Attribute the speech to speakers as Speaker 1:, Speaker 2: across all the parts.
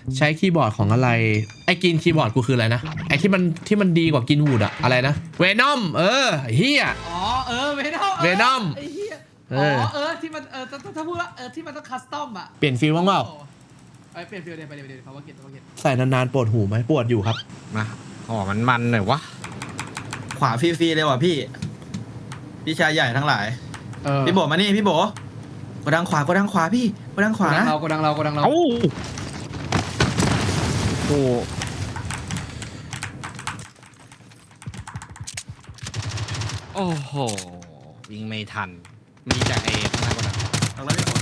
Speaker 1: ใช้คีย์บอร์ดของอะไรไอ้กินคีย์บอร์ดกูคืออะไรนะไอ้ที่มันดีกว่ากินวูดอะอะไรนะเวนอมเฮีย
Speaker 2: อ๋อเวนอม
Speaker 1: Venom
Speaker 2: ไอ้เหี้ยที่มันถ้าพูดว่าที่มันต้องคัสตอมอ่ะ
Speaker 1: เปลี่ยนฟิลบ้างเปล่า
Speaker 2: เปลี่ยนฟิลเดี๋ยวไปเดี๋ยวเขาว่าเก็ต
Speaker 1: ใส่นานๆปวดหูไหมปวดอยู่ครับ
Speaker 3: มาหอมันหน่อยวะ
Speaker 4: ขวาฟรีๆเลยว่ะพี่ชายใหญ่ทั้งหลายพี่โบมานี่พี่โบกดดังขวพี่กดดังขวานะ
Speaker 2: กดังเรา
Speaker 3: เอ้าโอ้โอ้โหยิงไม่ทันมีแต่เอข้างหน้าก็ได้
Speaker 4: เอาแล้วพี่โบ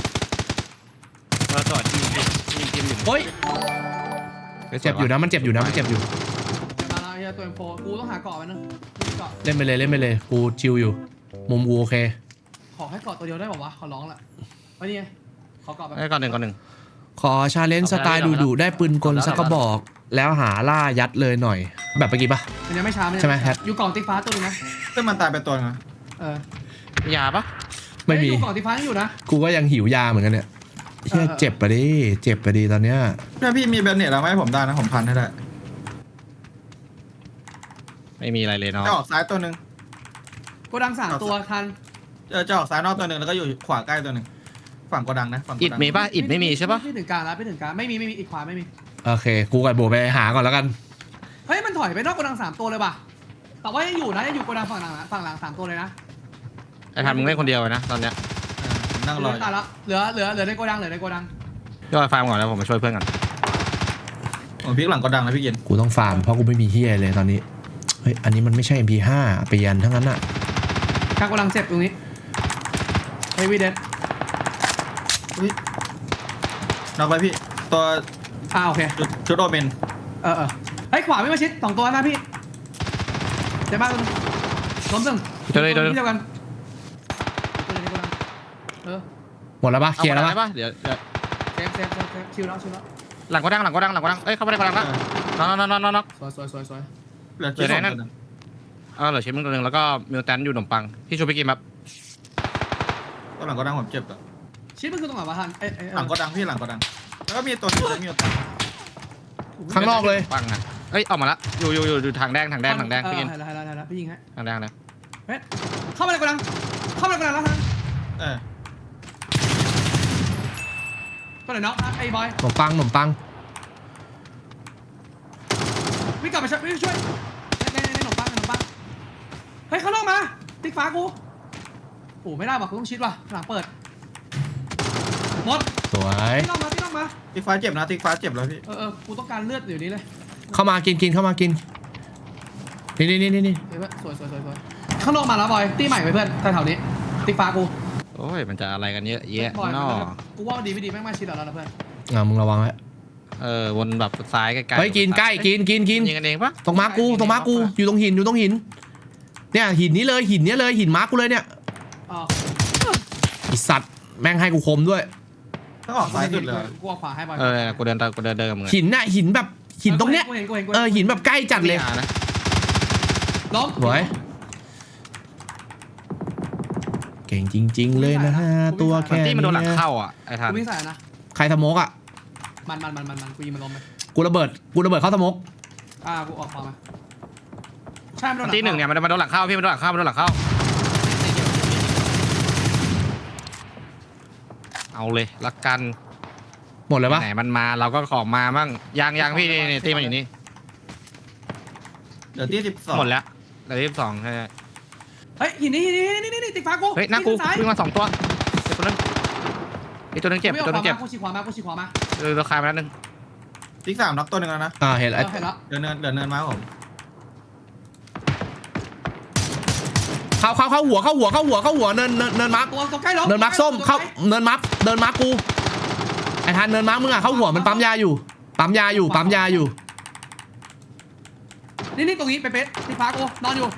Speaker 3: เราจอดยิงอยู่
Speaker 1: โอ๊ยเจ็บอยู่นะมันเจ็บอยู่
Speaker 2: มาแล้วไอ้ตัวM4กูต้องหาเกาะมันนะเกาะ
Speaker 1: เล่นไปเลยกูชิลอยู่มุมกูโอเค
Speaker 2: ขอให้เกาะตัวเดียวได้ป่าวะขอร้องละไอ้นี่ไงขอเกาะแบบ
Speaker 3: ไอ้ก่อนหนึ่ง
Speaker 1: ขอชาเลนจ์สไตล์ดุได้ปืนกลสักกระบอก แล้วหาล่ายัดเลยหน่อย แบบเมื่อกี้ปะ
Speaker 2: มันยังไม่ช้า
Speaker 1: ใช่ไหมแฮท
Speaker 2: อยู่กล่องติ๊กฟ้าตัวนึงนะ
Speaker 4: ซึ่งมันตายไปตัวนึง
Speaker 3: ยาปะ
Speaker 1: ไม่มี
Speaker 2: อยู่กล่องติ๊กฟ้าอยู่นะ
Speaker 1: กูก็ยังหิวยาเหมือนกันเนี่ยเฮียเจ็บไปดิตอนเนี้ย
Speaker 4: ถ้าพี่มีแบนเน็ตแล้วไหมผมได้นะผมพันให้ได้
Speaker 3: ไม่มีอะไรเลยเนาะ
Speaker 4: จะออกซ้ายตัวนึง
Speaker 2: โกดัง3ตัวทัน
Speaker 4: จะออกซ้ายนอกตัวนึงแล้วก็อยู่ขวาใกล้ตัวนึงฝั่งกดดังนะฝั่งก
Speaker 3: อิ
Speaker 4: ด
Speaker 3: ด
Speaker 4: ดัง
Speaker 3: มีปะอิดไม่มีใช่ปะ
Speaker 2: ไม่ถึงกลางแล้วไม่ถึงกลางไม่มีอีกขวาไม่มี
Speaker 1: โอเคกูกับโบไปหาก่อนแล้วกัน
Speaker 2: เฮ้ยมันถอยไปนอกโกดัง3ตัวเลยป่ะแต่ว่ายังอยู่นะยังอยู่โกดังฝั่งหลัง3ตัวเลยนะ
Speaker 3: ไอ้ทันมึงเล่นคนเดียวเลยนะตอนเนี้ย
Speaker 4: ผมนั่งรอ
Speaker 2: ตายแล้วเหลือในโกดัง
Speaker 3: ย่อไฟล์ก่อนแล้วผมมาช่วยเพื่อนกัน
Speaker 4: ผมพลิกหลังกดดังนะพี่เย็น
Speaker 1: กูต้องฟาร์มเพราะกูไม่มีเฮียเลยตอนนี้เฮ้ยอันนี้มันไม่ใช่ MP5 ไปยันทั้งนั้นอะ
Speaker 2: กลางโกดังเจ็บตรงนี้เฮฟวี่เดด
Speaker 4: นอกไปพี่ตัว
Speaker 2: โอเค
Speaker 4: ชุดโอเมน
Speaker 2: เฮ้ยขวาไม่มาชิด2ตัวนะพี่เจ็บมากเลยล้มตึง
Speaker 3: เดี๋ยว
Speaker 2: ที่เดียวกัน
Speaker 1: หมดแล้วปะเคลียร์แล้วปะ
Speaker 3: ปะเดี๋ยว
Speaker 2: เซฟชิวแล้ว
Speaker 3: หลังก็ดังเอ้ยเข้าไปในกระดังแล้วน็อก
Speaker 2: สวย
Speaker 4: เหลือชุดสองตัวนึง
Speaker 3: เหลือชิ้นมึงตัวหนึ่งแล้วก็มิวแตนอยู่ขนมปังพี่ชูไปกินแบบ
Speaker 4: ตัวหลังกดดังผมเจ็บอ่ะ
Speaker 2: ชิดมันคือตรงไหนวะทัน
Speaker 4: หลังกดดังพี่หลังกดดังแล้วก็มีตัวนึงแล้วมีตัว
Speaker 1: ข้างนอกเลย
Speaker 3: ปังอ่ะเอ้ยออกมาละอยู่ทางแดงพี่กิน
Speaker 2: แล้วพี่ยิงให้
Speaker 3: ทางแดงเลย
Speaker 2: เฮ้ยเข้ามาในโกดังแล้วทันตัวไหนน็อกไอ้บอย
Speaker 1: ขนมปัง
Speaker 2: วิ่งกลับมาช่วยในขนมปังเฮ้ยข้างนอกมาติ๊กฟ้ากูโอ้ไม่ได้ว่ะกูต้องชิดว่ะหลังเปิดหมด
Speaker 1: สวย
Speaker 2: ติ๊กนอกมา
Speaker 4: ติ๊กฟ้าเจ็บนะติ๊กฟ้าเจ็บแล้วพี่
Speaker 2: กูต้องการเลือดอยู่นี้เลย
Speaker 1: เข้ามากินเข้ามากินนี่
Speaker 2: เฮ้ยสวยข้างนอกมาแล้วบอยตีใหม่ไปเพื่อนแถวๆนี้ติ๊กฟ้ากู
Speaker 3: โอ้ยมันจะอะไรกันเยอะแยะ
Speaker 2: บอย
Speaker 3: นอ
Speaker 2: กูว่าดีไม่ดีแม่งมาชิดแล้วนะเพื่อน
Speaker 1: มึงระวังไว้
Speaker 3: วนแบบซ้ายใกล้ๆ
Speaker 1: เฮ้ยกินใกล้กิน
Speaker 3: ยิงกันเองปะ
Speaker 1: ตรงมาร์กูอยู่ตรงหินเนี่ยหินนี้เลยหินมาร์กูเลยเนี่ยไอสัตว์แม่งให้กูคมด้วย
Speaker 4: ต้องออกซ้ายสุดเลย
Speaker 2: กูเอาขวาให้บอย
Speaker 3: กูเดินกับมึง
Speaker 1: หินน่ะหินแบบหินตรงเนี้ย
Speaker 2: กูเห็น
Speaker 1: หินแบบใกล้จัดเลย
Speaker 3: นะ
Speaker 2: ล้ม
Speaker 1: สวยเก่งจริงๆเลยนะฮะตัวแค่
Speaker 3: ที่มันโดนหลัง
Speaker 1: นี้
Speaker 3: เข้าอ่ะไอ้ทัน
Speaker 2: กูวิ่งใส่นะ
Speaker 1: ใครสโมกอ่ะ
Speaker 2: มันกูยิงมันล้มไป
Speaker 1: กูระเบิดเข้าสโมก
Speaker 2: กูออกขวามาใช่มันโดน
Speaker 3: ที่หนึ่งเนี่ยมันโดนหลังเข้าพี่มันโดนหลังเข้าเอาเลยละกัน
Speaker 1: หมดเลยปะ
Speaker 3: ไหนมันมาเราก็ของมามั่งยังพี่นี่ตีมันอยู่นี่
Speaker 4: เหลือที่12
Speaker 3: หมดแล้วเหลือ12ใช่
Speaker 2: เฮ้ยหินนี่ติ๊กฟ้ากู
Speaker 3: เฮ้ยหน้ากูวิ่งมา2ตัวอีกตัวนึงเจ็บตัวนึงเจ็บ
Speaker 2: กูชี้ขวามา
Speaker 3: เราคายมาแล้วนึง
Speaker 4: ติ๊ก3น็อกตัวนึงแล้วนะ
Speaker 1: เห็นแล้ว
Speaker 2: เห็นแล้ว
Speaker 4: เหลือเนินมาผม
Speaker 1: เข้าหัวเนินมาร์ก
Speaker 2: ตัวใกล้ล้ม
Speaker 1: เนินมาร์กส้มเข้าเนินมาร์กกูไอ้ทันเนินมาร์กมึงอ่ะเข้าหัวมันปั๊มยาอยู่
Speaker 2: นี่ตรงนี้เป๊ะติ๊กฟ้ากูนอนอยู่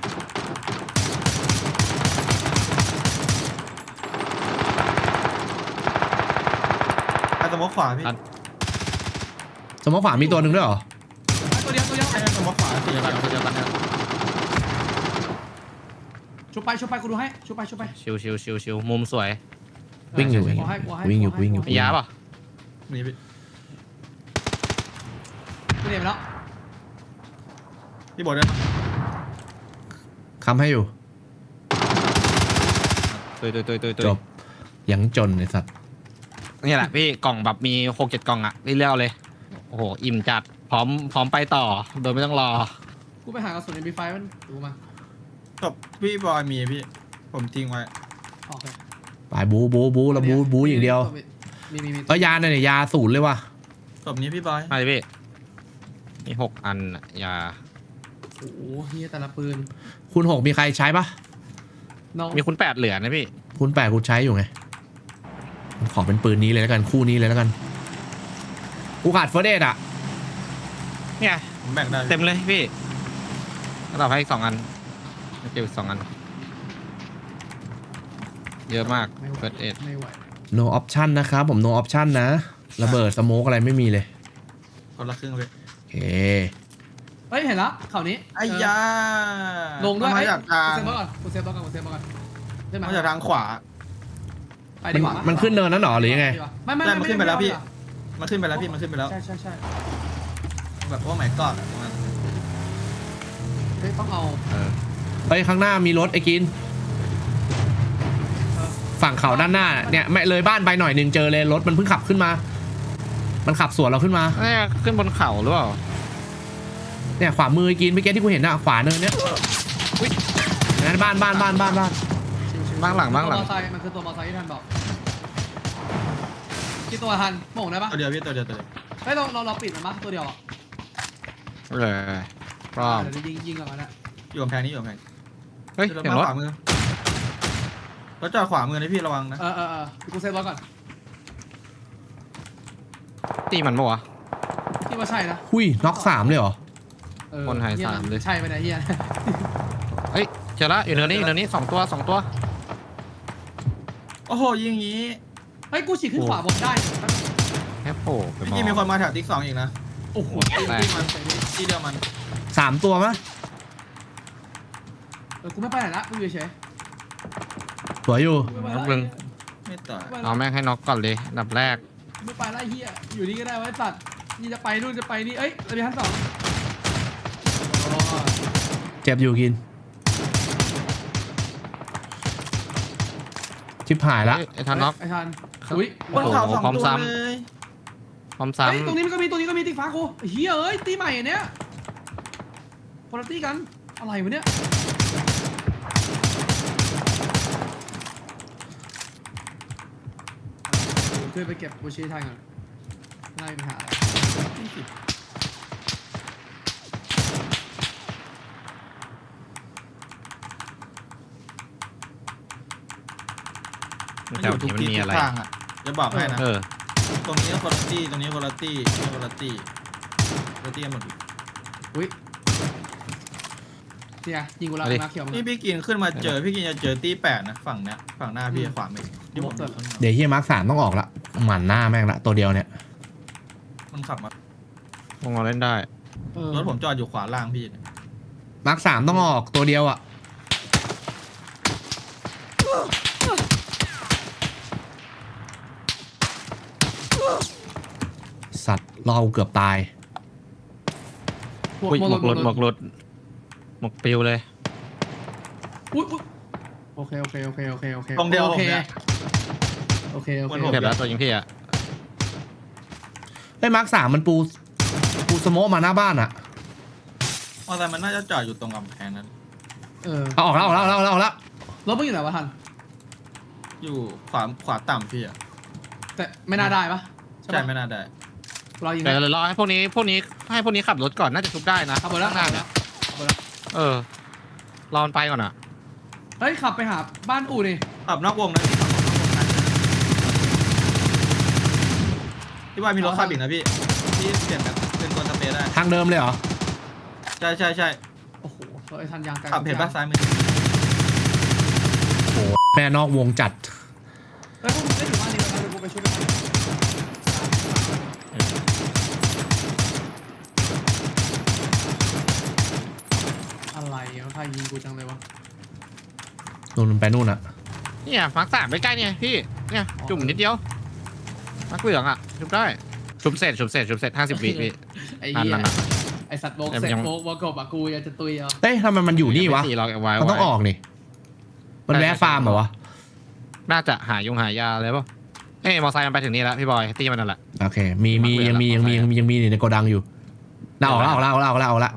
Speaker 4: ไปสมองขวาพี่
Speaker 1: สมมติขวามีตัวหนึ่งด้วยเหรอ
Speaker 2: ตัวเดียว
Speaker 4: ใช่สมองขวาสี่
Speaker 3: เดียวกัน
Speaker 2: ชุบไปกูดูให้ชุบไป
Speaker 3: ชิวมุมสวย
Speaker 1: วิ่งอยู่
Speaker 2: กูให้
Speaker 1: มียาป่ะ
Speaker 4: นี่พี่
Speaker 2: เรียนไปแล้ว
Speaker 4: พี่โบเดินมา
Speaker 1: คำให้อยู่
Speaker 3: ตุย
Speaker 1: จบยังจนไอ้สัตว์
Speaker 3: นี่แหละพี่กล่องแบบมี6-7กล่องอะพี่เลือกเลย โอ้โห อิ่มจัด พร้อมไปต่อ โดยไม่ต้องรอ
Speaker 2: กูไปหากระสุน MP5 มันดูมา
Speaker 4: จบพี่บอยมีพี่ผมทิ้งไว้
Speaker 2: โอเค
Speaker 1: ไปบูแล้วบูอย่างเดียว
Speaker 2: มี
Speaker 1: ก็ยาเนี่ยยาศูนย์เลยว่ะ
Speaker 4: จบนี้พี่บอย
Speaker 3: มาเลยพี่ มี6 อันอะอย่า
Speaker 2: โอ้โหเฮียแต่ละปืน
Speaker 1: คุณ6มีใครใช้ปะ
Speaker 2: น้อง
Speaker 3: มีคุณ8เหลือนะพี่
Speaker 1: คุณ8คุณใช้อยู่ไงขอเป็นปืนนี้เลยแล้วกันคู่นี้เลยแล้วกันกูขาดเฟอร์เดตอ่ะ
Speaker 3: เนี่ย
Speaker 4: ผมแบ่งได้
Speaker 3: เต็มเลยพี่เราให้อีก2 อันเก็บอีก2 อัน เยอะมากเฟิร์สเอ็ด
Speaker 2: ไม่ไหว
Speaker 1: no option นะครับผม no option นะระเบิดสโมกอะไรไม่มีเลย
Speaker 4: คนละครึ่งเลย
Speaker 1: โอเค
Speaker 2: เฮ้ยเห็นแล้วข่าวนี้
Speaker 4: ไอ้ยา
Speaker 2: ลงด้วย
Speaker 4: มาจากทาง
Speaker 2: กูเซฟก่อนได้ไหม
Speaker 4: มาจากทางขวา
Speaker 2: ไปดีกว่า
Speaker 1: มันขึ้นเนินนั้นหรอหรือยังไง
Speaker 2: ไม่
Speaker 4: ได้มันขึ้นไปแล้วพี่ มันขึ้นไปแล้วพี่มันขึ้นไปแล้ว
Speaker 2: ใช่
Speaker 4: แบบว่าหมายก่อนอะตรงนั้น
Speaker 2: เฮ้ยต้องเอา
Speaker 1: ไปข้างหน้ามีรถไอ้กิน ฝั่งเขาด้านหน้าเนี่ยไม่เลยบ้านไปหน่อยหนึ่งเจอเลยรถมันเพิ่งขับขึ้นมา มันขับสวนเราขึ้นมา
Speaker 3: นี่ขึ้นบนเขาหรือเปล่า
Speaker 1: เนี่ยขวามือไอ้กินเมื่อกี้ที่กูเห็นอะขวาเนินเนี้ยนั่นบ้าน
Speaker 3: บ้างหลัง
Speaker 2: ตัวมอเตอร์ไซค์มันคือตัวมอเตอร์ไซค์ที่ท่านบอกกี่ตัวทันโม่งได้ปะ
Speaker 4: ตัวเดียวพี่ตัวเดียว
Speaker 2: เฮ้ยเราปิดมันปะตัวเดียวอ่ะ
Speaker 3: พร้อม
Speaker 2: เดี๋ยวยิงก่อนนะ
Speaker 4: อยู่กำแพงนี้อยู่กำแพง
Speaker 3: เฮ้ย
Speaker 4: รถ
Speaker 3: เสียง
Speaker 4: มาร
Speaker 3: ถ
Speaker 4: ขวามือรถจอดขวามือนะพี่ระวังนะ
Speaker 2: กูเซฟรถก่อน
Speaker 3: ตีมันปะวะ
Speaker 2: ที่ว่าใช่นะ
Speaker 1: หุยน็อก3เลยเหรอ
Speaker 3: คนหายสามเลย
Speaker 2: ใช่ไปไหนเฮีย
Speaker 3: เฮ้ยเจอละอยู่เนินนี้2 ตัว2 ตัว
Speaker 4: โอ้โหยิงอย่างงี้
Speaker 2: เฮ้ยกูฉีกขึ้นขวาบนได้
Speaker 3: แค่โผล่ไป
Speaker 4: พี่
Speaker 3: มอง
Speaker 4: กินมีคนมาแถวติ๊ก2อีกนะ
Speaker 2: โอ้โห
Speaker 4: ที่มันที่เดียวมัน
Speaker 1: 3 ตัวมั้ย
Speaker 2: กูไม่ไปไหนละกูอยู่เฉย
Speaker 1: สวยอยู่
Speaker 3: นับนึง
Speaker 4: ไม่ต่อย
Speaker 3: เอาแม่งให้น็อกก่อนเลยอันดับแรก
Speaker 2: ไม่ไปละเฮียอยู่นี่ก็ได้ไว้ตัดนี่จะไปนู่นจะไปนี่เอ้ยระเบียงชั้น2
Speaker 1: เจ็บอยู่กิน ชิบหายละ
Speaker 3: ไอ้ทันน็อก
Speaker 2: ไอ้ทันอุ้ย
Speaker 4: บนเขาสอง
Speaker 3: พร้อม
Speaker 4: ตัว
Speaker 3: ซ้ำ
Speaker 4: เลย
Speaker 3: พร้อม
Speaker 2: เฮ้ย
Speaker 3: ซ้ำ
Speaker 2: ตรงนี้มันก็มีติ๊กฟ้ากูเฮียเอ้ยตีใหม่อันเนี้ยคนละตีกันอะไรวะเนี่ยช่วยไปเก็บบูชีทันก่อนน่ามีปัญหาอะไร
Speaker 3: แถวนี้มันมีอะไร
Speaker 4: ทุกทางอ่ะจะบอกให้นะ
Speaker 3: เออ
Speaker 4: ตรงนี้คนละตี้ตรงนี้คนละตี้คนละตี้คนละตี้กันหมด
Speaker 2: อุ้ยเนี่ยยิงกูแล้ว
Speaker 3: เอาดิ
Speaker 2: มาเขียวมา
Speaker 4: นี่พี่กินขึ้นมาเจอพี่กินจะเจอตี้8นะฝั่งเนี้ยฝั่งหน้าพี่ขวามือที่ผมอยู่ข้างหน้า
Speaker 1: เดี๋ยวเฮียมาร์ค3ต้องออกละหมันหน้าแม่งละตัวเดียวเนี่ย
Speaker 4: มันขับมาว
Speaker 3: งเราเล่นได้
Speaker 4: รถผมจอดอยู่ขวาล่างพี่เนี่ย
Speaker 1: มาร์ค3ต้องออกตัวเดียวอะสัตว์เราเกือบตาย
Speaker 3: อุ้ยหมกหลุดหมกปิวเลย
Speaker 2: อุ้ยโอเค
Speaker 4: ตรงเดียว
Speaker 2: โอ
Speaker 4: ผม
Speaker 2: เค
Speaker 4: เนี่ย
Speaker 2: โอเค
Speaker 4: มันหมด
Speaker 3: เก็บแล้วตัวยิงพี่อะ
Speaker 1: ไอ้มาร์ค3มันปูสโมกมาหน้าบ้านอะ
Speaker 4: มอเตอร์ไซค์มันน่าจะจอดอยู่ตรงกำแพงนั้น
Speaker 1: เอาออกแล้ว
Speaker 2: รถมึงอยู่ไหนวะทัน
Speaker 4: อยู่ขวาต่ำพี่อ่ะ
Speaker 2: แต่ไม่น่าได้ปะ
Speaker 4: ใช่ไม่น่าได้
Speaker 2: เรายิง
Speaker 3: เดี๋ยวรอให้พวกนี้ขับรถก่อนน่าจะทุบได้นะ
Speaker 2: ขับหมดแล้ว
Speaker 3: ข้างหน้าเนี่ยเออรอมันไปก่อนอ่ะ
Speaker 2: เฮ้ยขับไปหาบ้านอู่นี่
Speaker 4: ขับนอกวงนะพี่ขับนอกวงนะพี่ว่ามีรถขับอีกนะพี่เปลี่ยนแบบเป็นตัวสเปรย์ได้
Speaker 1: ทางเดิมเลยเหรอ
Speaker 4: ใช่
Speaker 2: โอ้โหไอ้ทันยางไกล
Speaker 4: ขับเห็นป่ะซ้ายมือ
Speaker 1: แม่นอกวงจัด
Speaker 2: เฮ้ยพวกมึงได้ถึงบ้านนี้แล้วนะเดี๋ยวกูไปช่วยกันอะไรมันพายิงกูจังเลยวะ
Speaker 1: นู่นไปนู่นอะ
Speaker 3: เนี่ยมาร์ค3ใกล้ๆเนี่ยพี่เนี่ยจุ่มนิดเดียวมาร์คเหลืองอ่ะทุบได้ชุบเสร็จ50 วิพี่
Speaker 2: ไอ้เหี้ย
Speaker 3: นั่น
Speaker 2: ไอ้สัตว์โบก
Speaker 3: แต่มั
Speaker 2: เสร็
Speaker 3: น
Speaker 2: จ
Speaker 3: ยัง
Speaker 2: โบกกบอะกูอยากจะตุยเอา
Speaker 1: เอ้ยทำไมมันอยู่นี่วะ
Speaker 3: 4เราไว้
Speaker 1: มันต้องออกนี่มันแวะฟาร์มเหรอวะ
Speaker 3: น่าจะหายาเลยป่ะเอ้ยมอไซค์มันไปถึงนี่แล้วพี่บอยตีมันนั่นแหละ
Speaker 1: โอเคมียังมีในโกดังอยู่น่าออกแล้ว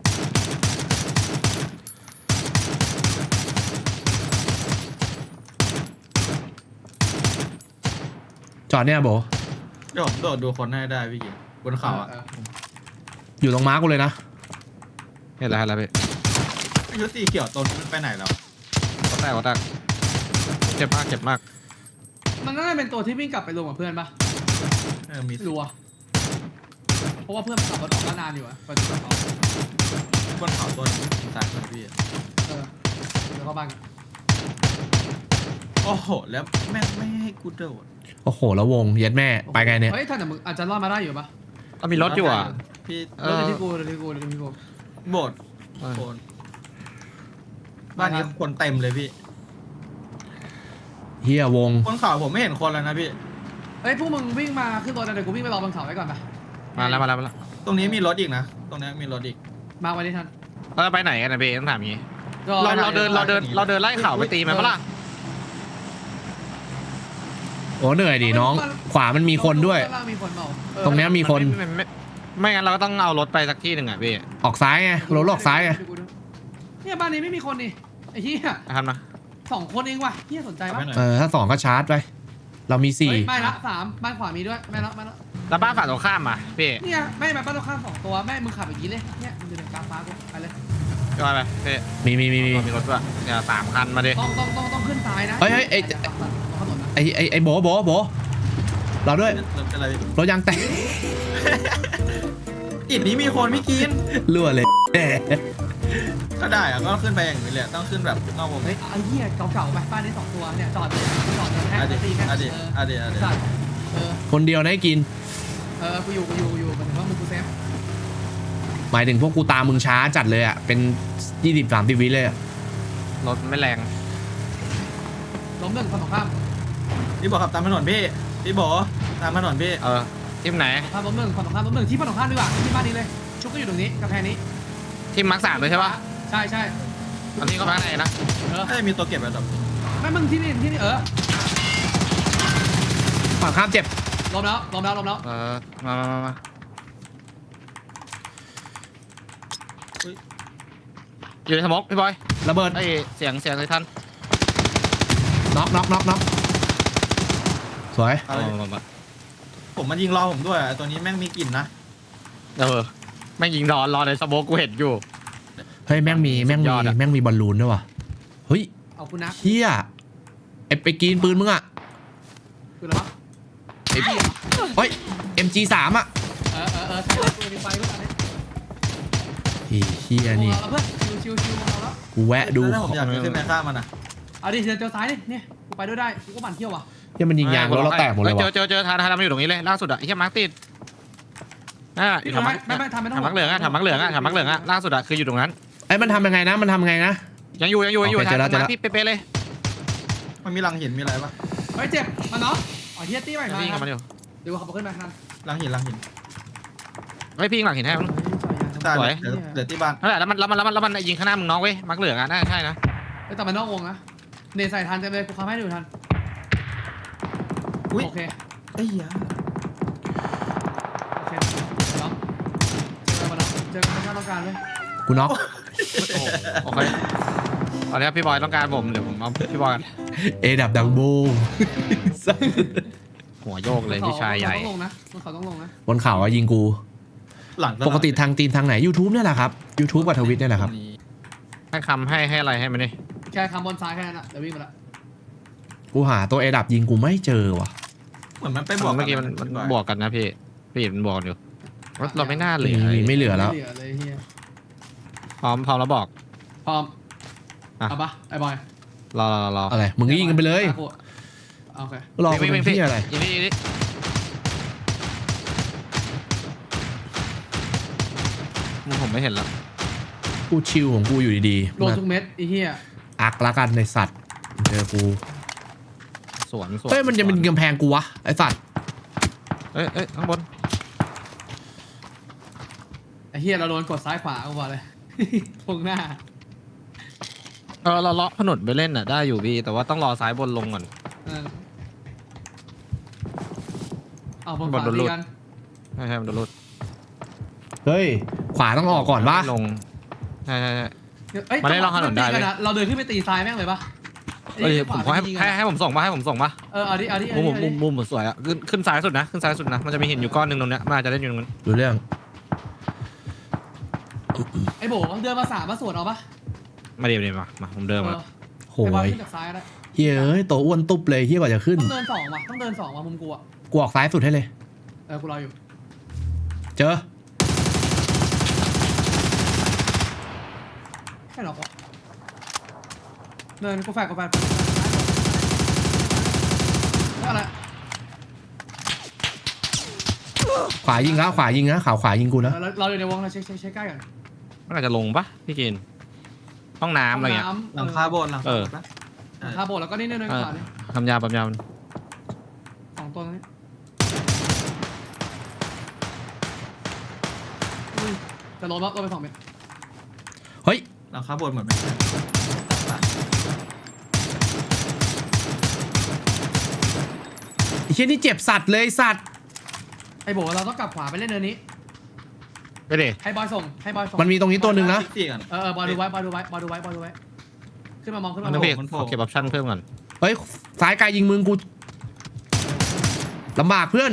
Speaker 1: จอดเนี่ยโบ
Speaker 4: เดี๋ยวผมโดดดูคนให้ได้พี่กินบนเขาอ่ะ
Speaker 1: อยู่ตรงม้ากูเลยนะ
Speaker 3: เห็นแล้วพี่
Speaker 4: ชุดสีเขียวต้นมันไปไหนแล้ว
Speaker 3: ก็แตกเจ็บมาก
Speaker 2: มันน่าจะเป็นตัวที่วิ่งกลับไปรวมกับเพื่อนปะ
Speaker 4: มี
Speaker 2: รัวเพราะว่าเพื่อนขับรถออกมานานอยู่อะไปถึงเขา
Speaker 4: บนเขาต้นสายคนพี่
Speaker 2: เออเดี๋ยวเข้าบ้านกัน
Speaker 4: โอ้โหแล้วแม่งไม่ให้กูโดด
Speaker 1: โอ้โหแล้ววงเย็ดแม่ไปไงเนี่ย
Speaker 2: เฮ้ยท่านแต่มึงอาจจะรอดมาได้อยู่ปะ
Speaker 3: ก็มีรถอยู่อ่ะ
Speaker 4: พี่
Speaker 3: เอ
Speaker 2: เดี๋
Speaker 3: อ
Speaker 2: ยวที่กู
Speaker 4: โบดโคนบ้านนี้คนเต็มเลยพี่
Speaker 1: เฮียวง
Speaker 4: บนเขาผมไม่เห็นคนแล้วนะพี่
Speaker 2: เฮ้ยพวกมึงวิ่งมาขึ้นรถนะเดี๋ยวกูวิ่งไปรอบนเขาไว้ก่อนไป
Speaker 3: มาแล้ว
Speaker 4: ตรงนี้มีรถอีกนะตรงนี้มีรถอีก
Speaker 2: มาไว้ที่ท่าน
Speaker 3: เราจะไปไหนกันนะพี่ต้องถามงี้
Speaker 2: ก็
Speaker 3: เราเดินไล่เข่าไปตีมันปะล่ะ
Speaker 1: โอ้เหนื่อยดิน้อง ขวามันมีคนด้วย
Speaker 2: ข้างล่างมีคนเปล่าเออ
Speaker 1: ตรงเนี้ยมีคน
Speaker 3: ไม่งั้นเราก็ต้องเอารถไปสักที่หนึ่งอ่ะพี่
Speaker 1: ออกซ้ายไงรถออกซ้ายไง
Speaker 2: เนี่ยบ้านนี้ไม่มีคนนี่ไอ้เหี้ย
Speaker 3: ทำนะ
Speaker 2: 2 คนเองว่ะเหี้ยสนใจปะ
Speaker 4: ไม่หน่อย
Speaker 1: ถ้า2ก็ชาร์จไปเรามี
Speaker 2: เฮ้ยไม่ละ3บ้านขวามีด้วยไม่ละ
Speaker 3: แล้วบ้านฝั่งตรงข้ามอ่ะพี่
Speaker 2: เนี่ยไม่บ้านตรงข้าม2 ตัวแม่มึงขับอย่างนี้เลยเนี่ยมึงจะเดินกลางฟ้ากูไปเลย
Speaker 3: ก็ไปพี่
Speaker 1: มี
Speaker 3: มีรถด้วยเนี่ย3 คันมาดิ
Speaker 2: ต้องขึ้นซ้ายนะ
Speaker 1: เฮ้ยไอ้โบเราด้วย
Speaker 4: รถอะไร
Speaker 1: รถยางแตก
Speaker 4: อิดนี้มีคนไม่กิน
Speaker 1: รั่วเลยแน่
Speaker 4: ก็ได้อะก็ขึ้นไปอย่างนี้เลยต้องขึ้นแบบนอกวง
Speaker 2: เฮ้ยไอ้เหี้ยเก่าๆไปบ้านนี้2 ตัวเนี่ยจอดเลยแค่
Speaker 4: อะดี
Speaker 2: ตีแค่
Speaker 4: อะดีอะดีอะดี
Speaker 2: สัตว์เออ
Speaker 1: คนเดียวนะให้กิน
Speaker 2: กูอยู่หมายถึงว่ามึงกูเซฟ
Speaker 1: หมายถึงพวกกูตามมึงช้าจัดเลยอ่ะเป็น20-30 วิเลยอ่ะ
Speaker 3: รถไม่แรง
Speaker 2: ล้มหนึ่งฝั่งตรงข้าม
Speaker 4: พี่บอกขับตามถนนพี่บอกตามถนนพี่
Speaker 3: ทีมไหน
Speaker 2: ข้ามล้มหนึ่งฝั่งตรงข้ามล้มหนึ่งที่ฝั่งตรงข้ามดีกว่าที่บ้านนี้เลยชุกก็อยู่ตรงนี้กำแพงนี้
Speaker 3: ทีมมาร์ค 3เลยใช่ปะ
Speaker 2: ใช่
Speaker 3: ตอนนี้ก็มาไหนนะ
Speaker 4: น่าจะมีตัวเก็บแบบ
Speaker 2: ไม่มึงที่นี่
Speaker 1: ฝั่งข้ามเจ็บ
Speaker 2: ล้มแล้ว
Speaker 3: มาอยู่ในสมองพี่บอย
Speaker 1: ระเบิด
Speaker 3: ไอ้เสียงเลยท่าน
Speaker 1: น็อกสวย
Speaker 4: ผมมันยิงรอผมด้วยตัวนี้แม่งมีกลิ่นนะ
Speaker 3: แม่งยิงรอในสโมกกูเห็นอยู่
Speaker 1: เฮ้ยแม่งมี
Speaker 3: สุดยอดอะ
Speaker 1: แม่งมีบอลลูนด้วยว่ะเฮ้ย
Speaker 2: เอาคุณนะ
Speaker 1: เฮียไปกินปืนมึงอ่ะ
Speaker 2: คืออะไรวะ
Speaker 1: เฮ้ย MG3 อ่ะ
Speaker 2: ใช่เลยปืนมีไฟด้วยกันเนี่ย
Speaker 1: เฮียนี่
Speaker 2: เอาเพื่อนชิวเอาแล้ว
Speaker 1: กูแวะดู
Speaker 4: ถ้าผมอยากขึ้นไปฆ่ามันอ่ะ
Speaker 2: เอาดิเจอซ้ายดิเนี่ยกูไปด้วยได้กูก็บั่นเที่ยวว่ะ
Speaker 1: เฮียมันยิงยางรถเราแตกหมดเลยว่ะ
Speaker 3: เจอทานมันอยู่ตรงนี้เลยล่าสุดอะไอ้เหี้ยมาร์คติดถามมักเหลืองอะล่าสุดอะคืออยู่ตรงนั้น
Speaker 1: ไอ้มันทำยังไงนะ
Speaker 3: ยังอยู่
Speaker 1: โอเคเจอแล้ว
Speaker 3: มาร์คที่เป๊ะเลย
Speaker 4: มันมีรังหินมีอะไรปะ
Speaker 2: เฮ้ยเจ็บมันเนาะอ๋อเฮียตี้ใหม่มา
Speaker 3: วิ่งกับมันอยู่
Speaker 2: เดี๋ยวขับขึ้นมาทัน
Speaker 4: รังหิน
Speaker 3: เฮ้ยพี่ยิงหลังหินให้มัน
Speaker 4: ตายเดี๋ยวที่บ้าน
Speaker 3: นั่นแหละแล้วมันยิงข้างหน้ามึงน้องเว้ยมาร์คเหลืองอะน่าใช่นะ
Speaker 2: แต่มันนอกวงนะเนใส่ทันเต็มเลยกูขับให้ดูทัน
Speaker 4: อุ้ย
Speaker 2: โอเค
Speaker 4: ไอ้ยา
Speaker 2: น้องเจอกันไม่ต้องการเลย
Speaker 1: กูน็อก
Speaker 3: โอเคตอนนี้พี่บอยต้องการผมเดี๋ยวผมเอาพี่บอย
Speaker 1: เอดับดังบูม
Speaker 3: หัวโยกเลยพี่ชายใหญ่
Speaker 2: ต้องลงนะเขาต้องลงนะ
Speaker 1: บนเขาอะยิงกู
Speaker 4: หลัง
Speaker 1: ปกติทางตีนทางไหน YouTube เนี่ยแหละครับ YouTube กับทวิตเนี่ยแหละครับ
Speaker 3: ให้คำให้อะไรให้มันนี่
Speaker 2: แค่คำบนซ้ายแค่นั้นอะเดี๋ยววิ่งมาละ
Speaker 1: กูหาตัวเอดับยิงกูไม่เจอว่ะ
Speaker 4: เหมือนมันไปบวก
Speaker 3: เมื่อกี้มันบวกกันนะพี่มันบวกอยู่เราไม่น่าเหลือ
Speaker 1: ไม่เหลือแล้ว
Speaker 2: เหลือเลยเฮีย
Speaker 3: พร้อมแล้วบอก
Speaker 2: พร้อมเอาปะไอ้บอย
Speaker 3: รอ
Speaker 1: อะไร มึงก็ยิงกันไปเลย
Speaker 2: โอเค
Speaker 1: รอกูเป็นที่อะไร
Speaker 3: ยิงนี่ผมไม่เห็นแล้ว
Speaker 1: กูชิลของกูอยู่ดี
Speaker 2: โดนทุกเม็ดไอ้เฮีย
Speaker 1: อักละกันในสัตว์เจอกู
Speaker 3: สวน
Speaker 1: เฮ้ยมันจะเป็นกำแพงกูวะไอสัตว์
Speaker 3: เอ้ยข้างบน
Speaker 2: ไอ้เฮียเราโดนกดซ้ายขวากูบอกเลย ตรงหน้า
Speaker 3: เราเลาะถนนไปเล่นอ่ะได้อยู่พี่แต่ว่าต้องรอซ้ายบนลงก่อน
Speaker 2: เออเอาบน
Speaker 3: บ
Speaker 2: ข
Speaker 3: น
Speaker 2: วา
Speaker 3: โดน
Speaker 2: ดี
Speaker 3: รูด
Speaker 2: กัน
Speaker 3: ใช่มันโดนรุด
Speaker 1: เฮ้ยขวาต้องออกก่อนปะ
Speaker 3: ลงใช่
Speaker 2: เอ้ย
Speaker 3: มาเล่นลองถนนได้เว้ย
Speaker 2: เราเดินขึ้นไปตีซ้ายแม่งเลยปะ
Speaker 3: เฮ้ยผมขอให้ผมส่งปะให้ผมส่งปะ
Speaker 2: เออเอาดิเอาดิ
Speaker 3: มุมสวยอ่ะขึ้นซ้ายสุดนะขึ้นซ้ายสุดนะมันจะมีหินอยู่ก้อนหนึ่งตรงเนี้ยมันอาจจะเล่นอยู่ตรงนั้น
Speaker 1: ดูเรื่อง
Speaker 2: ไอ้โบเดินมา3มาสวนเอาปะ
Speaker 3: มาเดี๋ยวมาผมเดินมา
Speaker 1: โห
Speaker 2: ไอ้บอล
Speaker 1: ย
Speaker 2: ขึ้นจากซ้ายก็ได้
Speaker 1: เฮ้ยเอ้ยตัวอ้วนตุ๊บเลยเฮียกว่าจะขึ้น
Speaker 2: ต้องเดิน2ว่ะต้องเดิน2ว่ะมุมกูอ่ะ
Speaker 1: กูออกซ้ายสุดให้เลย
Speaker 2: กูรออยู่
Speaker 1: เจอ
Speaker 2: แค่หรอกวะเดินกูแฟกอะไร
Speaker 1: ขวายิงแล้วขวายิงนะขวายิงกูนะ
Speaker 2: เราอยู่ในวงเราเช็คใกล้ก่อน
Speaker 3: มันอาจจะลงปะพี่กินห้องน้ำอะไรเงี้ย
Speaker 4: หลังคาโบสถ์หลังคาโบสถ์ปะ
Speaker 2: คาโบแล้วก็นี่เนินขวานี่
Speaker 3: ทำยาปั๊มยา
Speaker 2: 2ตัวนี้จะลงไป2เมตร
Speaker 1: เฮ้ย
Speaker 4: หลังคาโบสถ์เหมือนไม่ใช่
Speaker 1: ไอ้เชี่ยนี่เจ็บสัตว์เลยสัตว์
Speaker 2: ไอ้โบเราต้องกลับขวาไปเล่นเนินนี้
Speaker 3: ไปเด
Speaker 2: ให้บอยส่ง
Speaker 1: มันมีตรงนี้ตัวหนึ่งนะ
Speaker 4: สี่กัน
Speaker 2: บอยดูไว้ขึ้นมามองขึ้น
Speaker 3: มั
Speaker 2: มาน ม
Speaker 3: ต้
Speaker 2: อ
Speaker 3: อง งพี่ขอเก็บออปชั่นเพิ่มก่อน
Speaker 1: เฮ้ยซ้ายไกลยิงมึงกูลำบากเพื่อน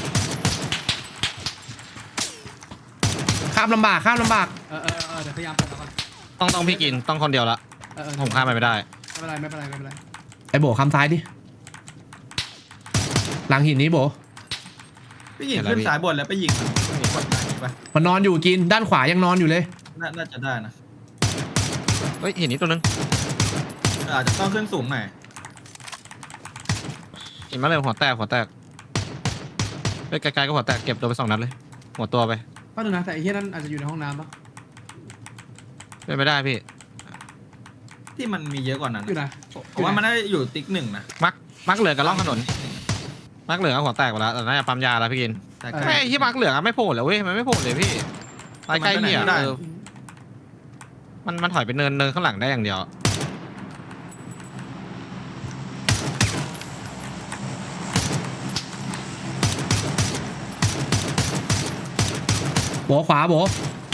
Speaker 1: ข้ามลำบาก
Speaker 2: เดี๋ยวพยายามเปิดก่อน
Speaker 3: ต้องพี่กินต้องคนเดียวละผมข้ามไปไม่ได้
Speaker 2: ไม่เป็นไร
Speaker 1: ไอ้โบข้ามซ้ายดิหลังหินนี้โบ
Speaker 4: พี่หญิงขึ้นสายบนแล้วไปยิงมันกดไหนปะ
Speaker 1: มันนอนอยู่กินด้านขวายังนอนอยู่เลย
Speaker 4: น่าจะได้นะ
Speaker 3: เฮ้ยเห็นนี้ตัวนึง
Speaker 4: อาจจะต้องขึ้นสูงหน่อย
Speaker 3: เห็นมาเลยหัวแตกเฮ้ยไกลๆก็หัวแตกเก็บตัวไป2 นัดเลย หัวตัวไป
Speaker 2: ก็ดูนะแต่ไอ้เฮียนั่นอาจจะอยู่ในห้องน้ำปะ
Speaker 3: เป็นไม่ได้พี่
Speaker 4: ที่มันมีเยอะกว่านั้น
Speaker 2: อยู่ไหน
Speaker 4: ผมว่ามันน่าจะอยู่ติ๊กหนึ่งนะ
Speaker 3: มักเหลืองกับล่องถนนมักเหลืองกับหัวแตกหมดแล้วแต่น่าจะปั๊มยาแล้วพี่กิน
Speaker 4: แต่
Speaker 3: แค่ที่มักเหลืองอะไม่โผล่เลยเว้ยมันไม่โผล่เลยพี่ใกล้ๆเนี่ยมันถอยไปเนินข้างหลังได้อย่างเดียว
Speaker 1: โบขวาโบ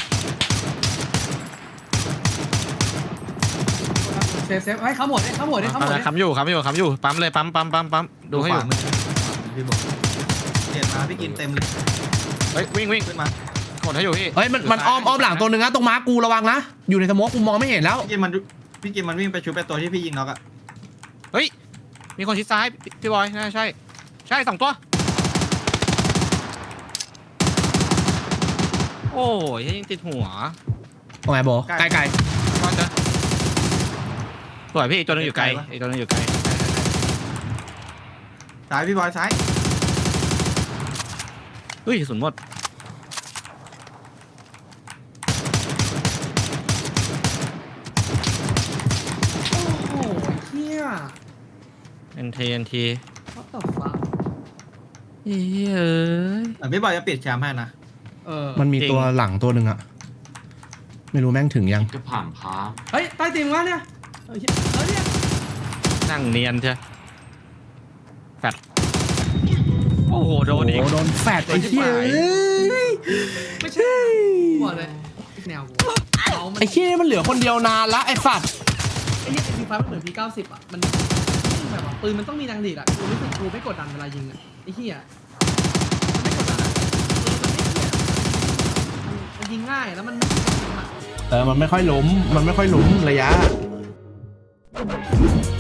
Speaker 2: เซฟให้เขาหมดเขาหมด
Speaker 3: ค้ำอยู่ปั๊มเลยปั๊มดูให้อยู่
Speaker 4: พี่บอกเดียดมาพี่กินเต็มเลย
Speaker 3: เฮ้ยวิ่ง
Speaker 4: ขึ้นมาก
Speaker 3: ดให้อยู่พี่
Speaker 1: เฮ้ยมันอ้อมหลังตัวหนึ่งนะตรงม้ากูระวังนะอยู่ในสโมกกูมองไม่เห็นแล้ว
Speaker 4: พี่กินมันวิ่งไปชุบไปตัวที่พี่ยิงน็อกอะ
Speaker 3: เฮ้ยมีคนชิดซ้ายพี่บอยน่าใช่2 ตัวโอ้ยยังติดหัว
Speaker 1: ตรงไหนโบไกล
Speaker 3: ก็จะสวยพี่ตัวนึงอยู่ไกลไอ้ตัวนึงอยู่ไกล
Speaker 4: ซ้ายพี่บอยซ้าย
Speaker 3: เฮ้ยกระสุนหมด
Speaker 2: โอ้โหเฮีย
Speaker 3: NT
Speaker 2: what the fuck
Speaker 3: เอ้ย
Speaker 4: แต่พี่บอยจะปิดแชมป์ให้นะ
Speaker 1: มันมีตัวหลังตัวหนึ่งอะไม่รู้แม่งถึงยัง
Speaker 5: จะผ่านพา
Speaker 2: เฮ้ยใต้ตีมวะเนี่ยเนี่ย
Speaker 3: นั่งเนียนเชียวแฟดโอ้โหโดนอีก
Speaker 1: โดนแฟดไอ้เหี้ย
Speaker 2: ไม่ใช่บอกเลยแนวกูเขามัน
Speaker 1: ไอ้เหี้ยมันเหลือคนเดียวนานละไอ้สัตว์
Speaker 2: ไอ้เฮียทีไฟมันเหมือนพี90อ่ะมันแบบว่าปืนมันต้องมีนางดีดอ่ะกูรู้สึกกูไม่กดดันเวลายิงอ่ะไอ้เฮียไม่กดดันอ่ะมันยิงง่ายแล้วมัน
Speaker 1: มันไม่ค่อยล้มระยะ